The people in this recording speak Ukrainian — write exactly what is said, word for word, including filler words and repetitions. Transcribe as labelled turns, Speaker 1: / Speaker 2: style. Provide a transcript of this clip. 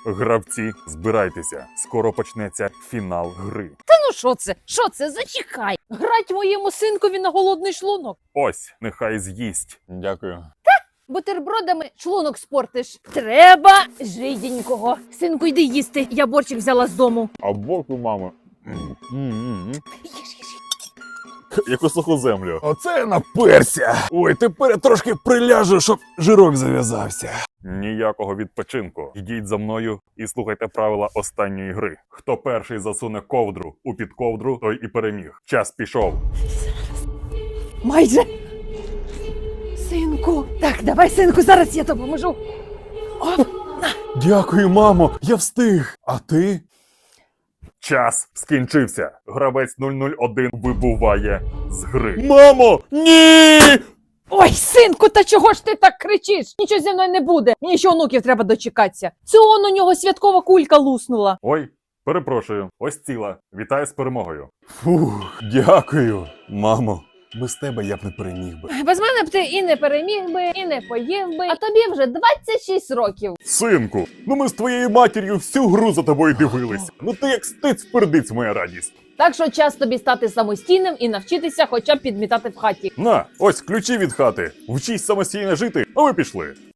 Speaker 1: Гравці, збирайтеся. Скоро почнеться фінал гри.
Speaker 2: Та ну що це? Що це? Зачекай. Грать моєму синкові на голодний шлунок.
Speaker 1: Ось, нехай з'їсть. Дякую.
Speaker 2: Бутербродами шлунок спортиш. Треба жиденького. Синку, йди їсти. Я борщик взяла з дому.
Speaker 1: А боку, мамо.
Speaker 2: Їж, їж, їж.
Speaker 1: Яку суху землю.
Speaker 3: Оце я наперся. Ой, тепер я трошки приляжу, щоб жирок зав'язався.
Speaker 1: Ніякого відпочинку. Йдіть за мною і слухайте правила останньої гри. Хто перший засуне ковдру у підковдру, той і переміг. Час пішов.
Speaker 2: Майже. Синку. Так, давай, синку, зараз я допоможу. Оп.
Speaker 3: Дякую, мамо, я встиг. А ти?
Speaker 1: Час скінчився. Гравець нуль нуль один вибуває з гри.
Speaker 3: Мамо, ні!
Speaker 2: Ой, синку, та чого ж ти так кричиш? Нічого зі мною не буде. Мені ще онуків треба дочекатися. Це он у нього святкова кулька луснула.
Speaker 1: Ой, перепрошую. Ось ціла. Вітаю з перемогою.
Speaker 3: Фух, дякую, мамо. Без тебе я б не переміг би.
Speaker 2: Без мене б ти і не переміг би, і не поїв би. А тобі вже двадцять шість років.
Speaker 1: Синку, ну ми з твоєю матір'ю всю гру за тобою дивилися. Ну ти як стиць-пердиць, моя радість.
Speaker 2: Так що час тобі стати самостійним і навчитися хоча б підмітати в хаті.
Speaker 1: На, ось ключі від хати. Вчись самостійно жити, а ви пішли.